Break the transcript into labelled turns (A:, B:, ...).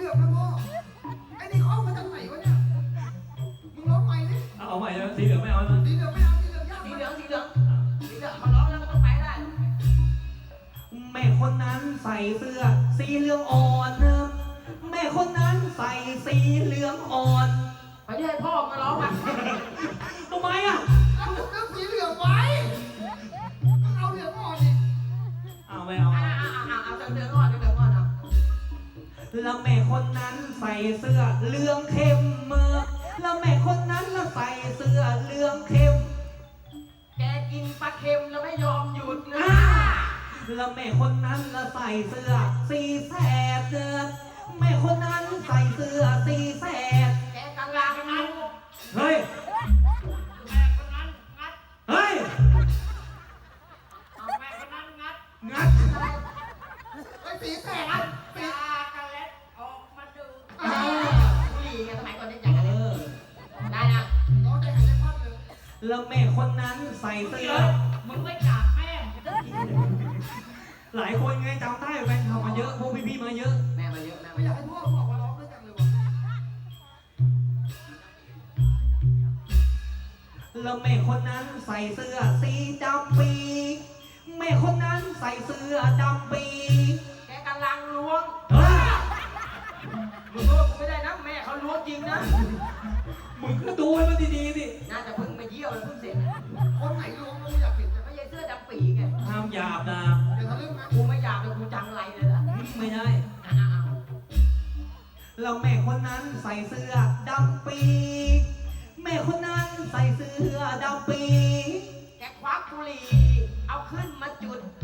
A: ลืองนะพ่อไอ้นี่เขาเอามาจากไหนวะเนี่ยมึงร้องใหม่ดิ
B: เอาใหม่เลยสีเหลืองไม่เอาแล้ว
A: สีเหลืองไม่เอาสีเหลืองยาก
C: สีเหลืองเขาร้องแล้วก็ต้องไปได้
B: แม่คนนั้นใส่เสื้อสีเหลืองอ่อนแม่คนนั้นใส่สีเหลืองอ่อน
C: ไปให้พ่อมาร้องอ่ะ
B: ทำไมอ่ะ
A: เอาเลือกสีเหลืองไว้มึงเอาเหลืองอ่อนดิ
B: เอาไม่เอา
C: เอาเดือดก่อนเอา
B: แล้วแม่คนนั้นใส่เสื้อเหลืองเข้มแล้วแม่คนนั้นแล้วใส่เสื้อเหลืองเข้ม
C: แกกินปลาเค็มแล้วไม่ยอมหยุดนะ
B: แล้วแม่คนนั้นแล้วใส่เสื้อสีแสดแม่คนนั้นใส่เสื้อสีแสด
C: แกกำลังนั้น
B: เฮ้ย
C: แม่คนนั้นงัด
B: เฮ้ย
C: เอาแม่คนนั้นงัด
B: งัด
A: ไอ้สีแสดสี
C: ยากันเล็ดออกมาดู
A: อ่า
C: นี่ไงสมัยก่อนเนี่ยยากันเล็ดได้นะ
A: ร้องใจหายใจคว่ำเลย
B: แล้วแม่คนนั้นใส่เสื้อ
C: มึงไม่กราบแม่
B: หลายคนไงจำได้แฟนคลับมาเยอะพวกพี่ๆมาเยอะ
C: แม่มาเยอะแม่
A: ไม่อยากให้พ่อบอกว่าร้องด้วยจังเลยวะ
B: แล้วแม่คนนั้นใส่เสื้อสีดำปีแม่คนนั้นใส่เสื้อดำปี
C: แกกำลังล้วง
B: เฮ้ย
C: มึงรู้ว่ากูไม่ได้นะแม่เขาล้วงจริงนะ
B: มึงก็ดูให้มันดีๆสิ
C: น่าจะเพิ่งมาเยี่ยวแล้วเพิ่งเสร็จ
A: คนไหนร้องกูอยากเห็นจัง
C: ไม่ใช่เสื้อดำปีไง
B: ห้ามหยาบนะ
A: เดี๋ยวทะลึ่งนะ
C: กูไม่อยากเลยกูจังไรเลยล่ะ
B: ไม่ได้
C: อ้าว
B: แล้วแม่คนนั้นใส่เสื้อดำปีแม่คนนั้นใส่เสื้อดำปี
C: แกควักบุหรี่เอาขึ้นมาจุด